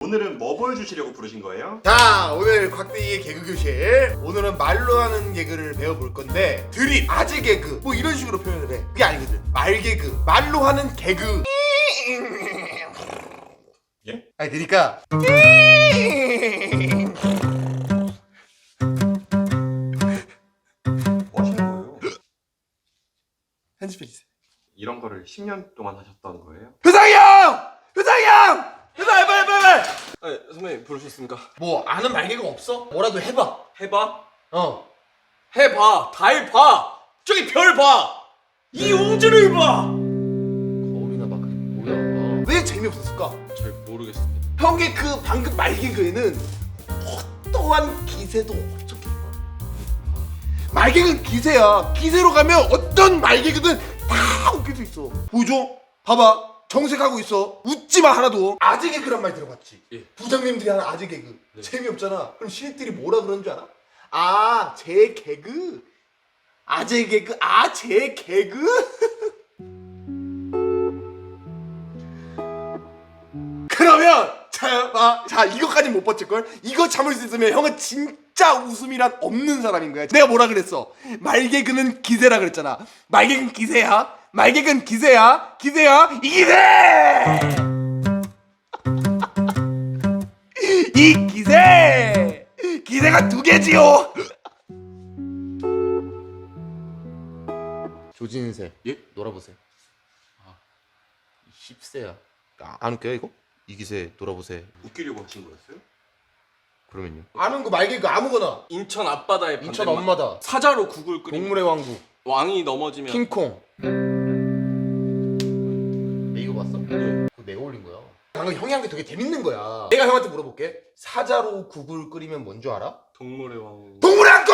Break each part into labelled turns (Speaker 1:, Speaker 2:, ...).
Speaker 1: 오늘은 뭐 보여주시려고 부르신 거예요?
Speaker 2: 자, 오늘 곽대기의 개그 교실. 오늘은 말로 하는 개그를 배워볼 건데 드립, 아재 개그 뭐 이런 식으로 표현을 해. 그게 아니거든. 말 개그, 말로 하는 개그.
Speaker 1: 예?
Speaker 2: 아니 그러니까
Speaker 1: 뭐 하시는 거예요?
Speaker 2: 편집해주세요.
Speaker 1: 이런 거를 10년 동안 하셨던 거예요?
Speaker 2: 효상이 형! 효상이 형! 효상이 빨리!
Speaker 3: 아, 선배님 부르셨습니까?
Speaker 2: 뭐 아는 말 개그 없어? 뭐라도 해봐.
Speaker 3: 해봐?
Speaker 2: 해봐.
Speaker 3: 달 봐! 저기 별 봐! 이 우주를 봐!
Speaker 2: 거울이나 봐. 그게 뭐야? 왜 재미없었을까?
Speaker 3: 잘 모르겠습니다.
Speaker 2: 형의 그 방금 말 개그에는 어떠한 기세도 없었겠다. 말 개그는 기세야. 기세로 가면 어떤 말 개그든 다 웃길 수 있어. 보여줘. 봐봐. 정색하고 있어. 웃지마 하나도. 아재 개그란 말 들어봤지?
Speaker 3: 예.
Speaker 2: 부장님들이 하는 아재 개그.
Speaker 3: 네.
Speaker 2: 재미없잖아. 그럼 신입들이 뭐라 그러는 줄 알아? 아, 제 개그? 아재 개그? 아, 제 개그? 그러면 자 이거까지 못 버틸걸? 이거 참을 수 있으면 형은 진짜 웃음이란 없는 사람인 거야. 내가 뭐라 그랬어? 말개그는 기세라 그랬잖아. 말개그는 기세야. 말개그는 기세야. 기세야. 이 기세! 이 기세! 기세가 두 개지요. 조진세.
Speaker 3: 예?
Speaker 2: 놀아보세요. 아, 10세야. 안 웃겨요 이거? 이 기세 놀아보세요.
Speaker 1: 웃기려고 하신 거였어요?
Speaker 2: 그러면요. 아는 거 말개그 아무거나.
Speaker 3: 인천 앞바다의
Speaker 2: 인천
Speaker 3: 반대말.
Speaker 2: 엄마다.
Speaker 3: 사자로 국을 끓이면
Speaker 2: 동물의 왕국.
Speaker 3: 왕이 넘어지면
Speaker 2: 킹콩. 이거 봤어?
Speaker 3: 네.
Speaker 2: 그거 내가 올린 거야. 방금 형이 한 게 되게 재밌는 거야. 내가 형한테 물어볼게. 사자로 국을 끓이면 뭔 줄 알아?
Speaker 3: 동물의 왕.
Speaker 2: 동물의 왕국!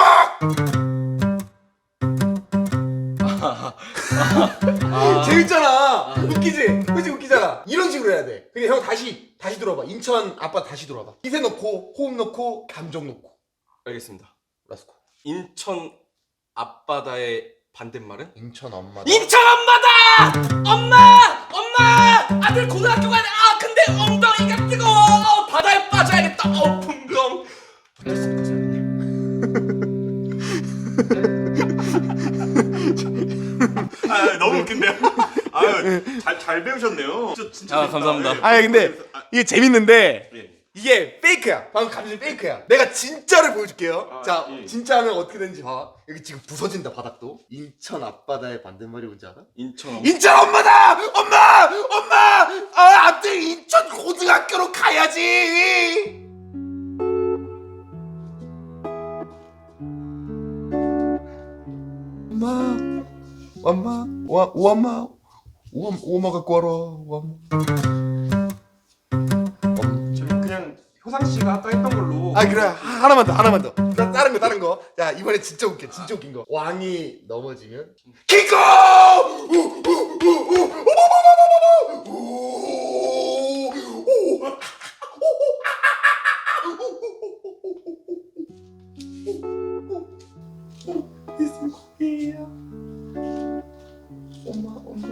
Speaker 2: 재밌잖아. 웃기지? 그치 웃기잖아. 이런 식으로 해야 돼. 근데 형 다시 들어봐. 인천 아빠 다시 들어봐. 기세 넣고 호흡 넣고 감정 넣고.
Speaker 3: 알겠습니다.
Speaker 2: 라스코.
Speaker 3: 인천 앞바다의 반대말은?
Speaker 2: 인천 엄마.
Speaker 3: 인천 엄마다! 엄마! 아들 고등학교 가야 돼! 아 근데 엉덩이가 뜨거워! 바다에 빠져야겠다! 풍덩! 어떻습니까 선생님?
Speaker 1: 아 너무 웃긴데요? 아유 잘 배우셨네요. 진짜
Speaker 3: 아,
Speaker 1: 재밌다.
Speaker 3: 감사합니다.
Speaker 1: 예.
Speaker 2: 아니 근데 이게 재밌는데
Speaker 1: 예.
Speaker 2: 이게 페이크야. 방금 감정이 페이크야. 내가 진짜를 보여줄게요.
Speaker 1: 아,
Speaker 2: 자,
Speaker 1: 예.
Speaker 2: 진짜는 어떻게 되는지 봐. 여기 지금 부서진다 바닥도. 인천 앞바다의 반대말이 뭔지 알아?
Speaker 3: 인천
Speaker 2: 인천 엄마다! 엄마! 아, 아들 인천 고등학교로 가야지! 엄마 갖고 와라.
Speaker 1: 저희 그냥 효상 씨가 아까 했던 걸로.
Speaker 2: 아 그래 하나만 더 다른 거 자 이번에 진짜 웃긴 거 왕이 넘어지면 킹콩 엄마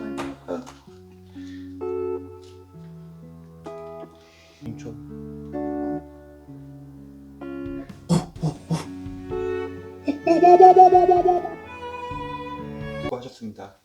Speaker 2: 인천
Speaker 1: 수고하셨습니다.